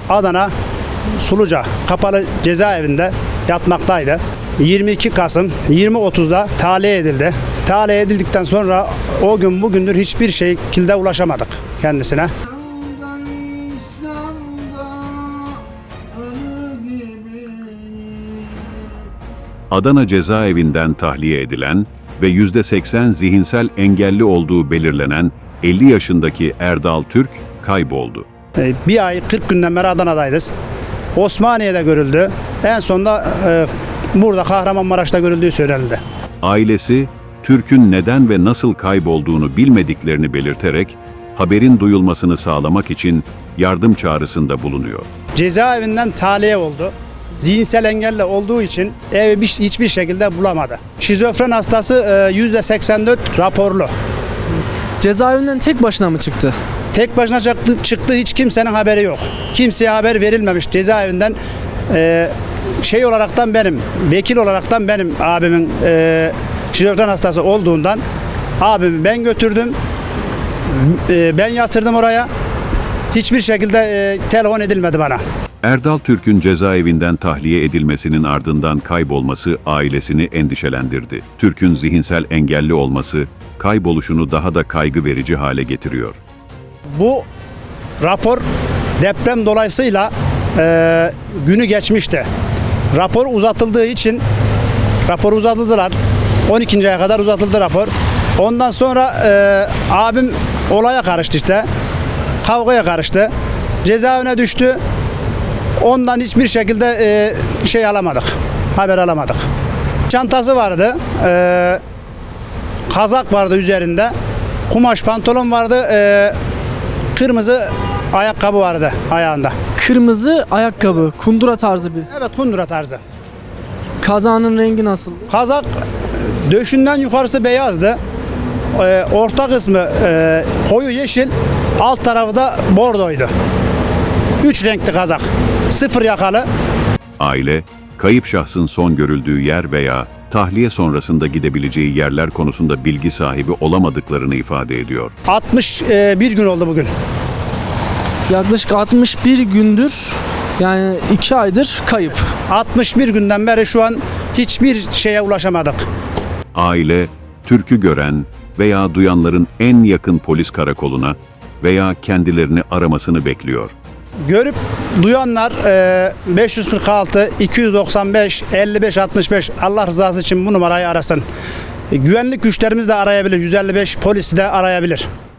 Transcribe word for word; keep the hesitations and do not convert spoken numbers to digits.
Adana Suluca Kapalı Cezaevinde yatmaktaydı. yirmi iki Kasım yirmi otuzda tahliye edildi. Tahliye edildikten sonra o gün bugündür hiçbir şekilde ulaşamadık kendisine. Adana cezaevinden tahliye edilen ve yüzde seksen zihinsel engelli olduğu belirlenen elli yaşındaki Erdal Türk kayboldu. Bir ay kırk günden beri Adana'dayız. Osmaniye'de görüldü. En sonunda e, burada Kahramanmaraş'ta görüldüğü söylenildi. Ailesi, Türk'ün neden ve nasıl kaybolduğunu bilmediklerini belirterek haberin duyulmasını sağlamak için yardım çağrısında bulunuyor. Cezaevinden tahliye oldu. Zihinsel engelli olduğu için evi hiçbir şekilde bulamadı. Şizofren hastası yüzde seksen dört raporlu. Cezaevinden tek başına mı çıktı? Tek başına çıktı, çıktı hiç kimsenin haberi yok. Kimseye haber verilmemiş cezaevinden. E, şey olaraktan benim, vekil olaraktan benim abimin e, şizofren hastası olduğundan abimi ben götürdüm. E, ben yatırdım oraya. Hiçbir şekilde e, telefon edilmedi bana. Erdal Türk'ün cezaevinden tahliye edilmesinin ardından kaybolması ailesini endişelendirdi. Türk'ün zihinsel engelli olması kayboluşunu daha da kaygı verici hale getiriyor. Bu rapor deprem dolayısıyla e, günü geçmişti. Rapor uzatıldığı için rapor uzatıldılar. on ikinci aya kadar uzatıldı rapor. Ondan sonra e, abim olaya karıştı işte. Kavgaya karıştı. Cezaevine düştü. Ondan hiçbir şekilde e, şey alamadık. Haber alamadık. Çantası vardı. E, kazak vardı üzerinde. Kumaş pantolon vardı. E, kırmızı ayakkabı vardı ayağında. Kırmızı ayakkabı, kundura tarzı bir. Evet, kundura tarzı. Kazağının rengi nasıl? Kazak döşünden yukarısı beyazdı. E, orta kısmı e, koyu yeşil. Alt tarafı da bordoydu. Üç renkli kazak. Sıfır yakalı. Aile, kayıp şahsın son görüldüğü yer veya tahliye sonrasında gidebileceği yerler konusunda bilgi sahibi olamadıklarını ifade ediyor. altmış bir gün oldu bugün. Yaklaşık altmış bir gündür, yani iki aydır kayıp. altmış bir günden beri şu an hiçbir şeye ulaşamadık. Aile, Türk'ü gören veya duyanların en yakın polis karakoluna veya kendilerini aramasını bekliyor. Görüp duyanlar beş yüz kırk altı iki yüz doksan beş elli beş altmış beş Allah rızası için bu numarayı arasın. Güvenlik güçlerimiz de arayabilir. yüz elli beş polisi de arayabilir.